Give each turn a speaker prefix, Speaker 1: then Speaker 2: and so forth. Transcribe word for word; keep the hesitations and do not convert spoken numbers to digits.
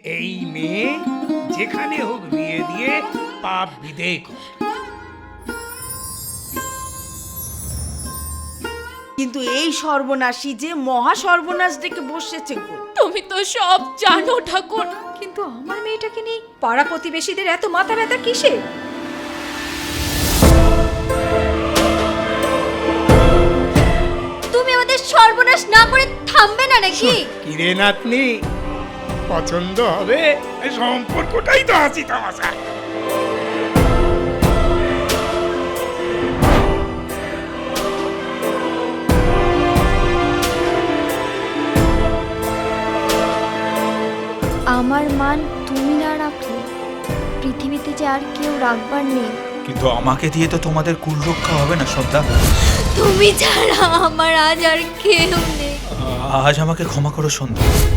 Speaker 1: এই মেয়ে যেখানে হোক বিয়ে দিয়ে পাপ বিদেয় কর।
Speaker 2: কিন্তু এই সর্বনাশী যে মহা সর্বনাশ ডেকে বসেছে গো।
Speaker 3: তুমি তো সব জানো ঠাকুর, কিন্তু আমার মেয়েটাকে নিয়ে পাড়া প্রতিবেশীদের এত মাথা ব্যথা কিসে? তুমি আমাদের সর্বনাশ না করে থামবে না নাকি?
Speaker 1: কিরে নাতনি, পছন্দ হবে? সম্পর্কটাই তো হাসি তামাশা।
Speaker 4: আমার মান তুমি না রাখলে পৃথিবীতে যে আর কেউ রাখবার নেই।
Speaker 5: কিন্তু আমাকে দিয়ে তো তোমাদের কুল রক্ষা হবে না সর্দা।
Speaker 4: তুমি ছাড়া আমার আজ আর কেউ নেই।
Speaker 5: আজ আমাকে ক্ষমা করো সন্ধ্যা।